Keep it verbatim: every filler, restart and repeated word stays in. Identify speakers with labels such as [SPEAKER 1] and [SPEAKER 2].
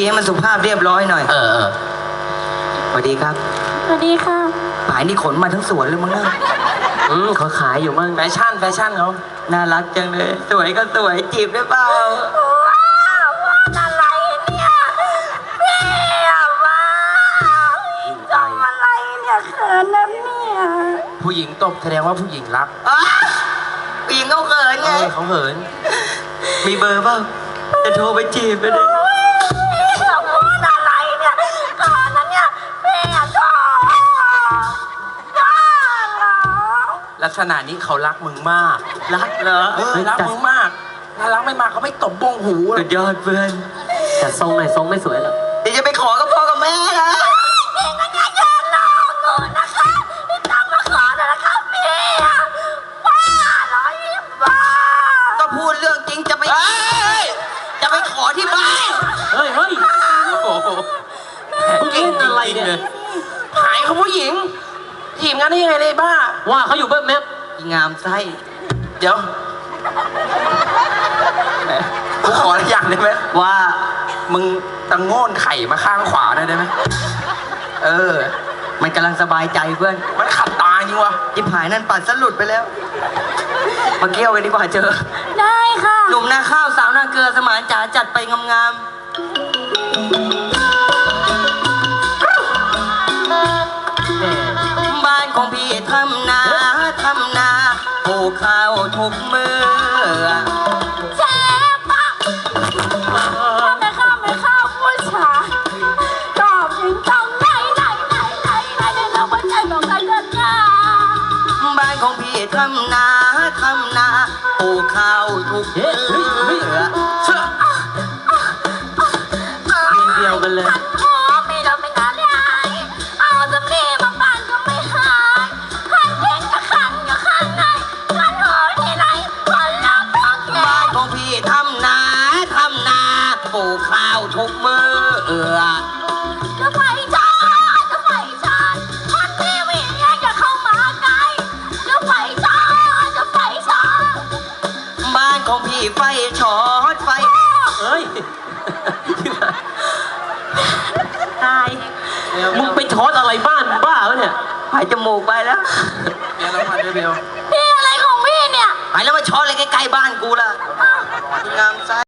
[SPEAKER 1] ให้มันสุภาพเรียบร้อยหน่อย
[SPEAKER 2] เออเออ
[SPEAKER 1] สวัสดีครับ
[SPEAKER 3] สวัสดีค่ะ
[SPEAKER 1] ป่ายนี่ขนมาทั้งสวนเลยมั้งนะ
[SPEAKER 2] อืมเขาขายอยู่มั่งแฟชั่นแฟชั่นเขา
[SPEAKER 1] น่ารักจังเลยสวยก็สวยจีบได้เปล่า
[SPEAKER 3] ว้าวว่าอะไรเนี่ยพี่อะว้าวจำอะไรเนี่ยเขินนะเนี่ย
[SPEAKER 2] ผู้หญิงตบแสดงว่าผู้หญิงรัก
[SPEAKER 1] ผู้หญิงเขาเขินไง
[SPEAKER 2] เขาเขิน
[SPEAKER 1] มีเบอร์เปล่าจะโทรไปจีบไปเลย
[SPEAKER 3] พูดอะไรเนี่ยก่อนนั้นเนี่ยพี่อะชอบชอบเหรอ
[SPEAKER 2] ลักษณะนี้เขารักมึงมาก
[SPEAKER 1] รักเหรอ
[SPEAKER 2] เออรักมึงมากถ้ารักไม่มากเขาไม่ตบบงหู
[SPEAKER 1] สุดยอดเพื่อน
[SPEAKER 2] แต่ทรงไหนทรงไม่สวยหรอก
[SPEAKER 1] เดี๋ยวจะไปขอกับพ่อกับแม่นะ
[SPEAKER 3] พี่ก็จะยืนรอเงินนะคะพี่ต้องมาขอนะคะพี่อะบ้าเหรอยิ่งบ้า
[SPEAKER 1] ก็พูดเรื่องจริงจะไปจะไปขอที่บ้าน
[SPEAKER 2] เฮ้ยเฮ้ยโอ้โหเก่งอะไรเนี่ยหายเขาผู้หญิงถีบงั้นได้ยังไงเลยบ้าว่าเขาอยู่เบิ้มแมป
[SPEAKER 1] งามไส้
[SPEAKER 2] เดี๋ยวกูขออะไรอย่างได้ไหม
[SPEAKER 1] ว่า
[SPEAKER 2] มึงตะโง่นไข่มาข้างขวาได้ไหม
[SPEAKER 1] เออมันกำลังสบายใจเพื่อน
[SPEAKER 2] มันขัดตาจริงวะ
[SPEAKER 1] ที่ผายนั่นปัดสลุดไปแล้วมาเกี่ยวกันดีกว่าเจอ
[SPEAKER 3] ได้ค่ะ
[SPEAKER 1] หนุ่มนาข้าวสาวนาเกลือสมานจ๋าจัดไปงามๆบ้านของพี่ทำนาทำนาปลูกข้าวทุกมือ
[SPEAKER 3] เจ๊ปะไม่ข้าวไม่ข้าวผู้ชายตอบถึงต้องไหนไหนไหนไหนไหนเดี๋ยวเราไปใจของใครกันนะ
[SPEAKER 1] บ้านของพี่ทำนาทำนาปลูกข้าวทุกมือ
[SPEAKER 2] เชื่อเดียวกันเลย
[SPEAKER 3] ไม่เราไม่งานเลยเอาสำลีมาปั่นก็ไม่หายขันเก่งกับขันกับขันไหนขันหัวที่ไหนคนเราต้องแก่
[SPEAKER 1] บ้านของพี่ทำนาทำนาปลูกข้าวทุกมือเอือ
[SPEAKER 3] จะไฟชาจะไฟชาพันทีวีจะเข้ามาไกลจะไฟชาจะไฟชา
[SPEAKER 1] บ้านของพี่ไฟช็อตไฟ
[SPEAKER 2] เฮ้ย
[SPEAKER 1] ตาย
[SPEAKER 2] มึงไปช็อตอะไรบ้านบ้าวะเนี่ย
[SPEAKER 1] หายจมูกไปแล้ว
[SPEAKER 2] เดี๋ยวเราพันด้วยเบล
[SPEAKER 3] พี่อะไรของพี่เนี่ย
[SPEAKER 1] หายแล้วมาช็อตอะไรใกล้ๆบ้านกูล่ะงามไส้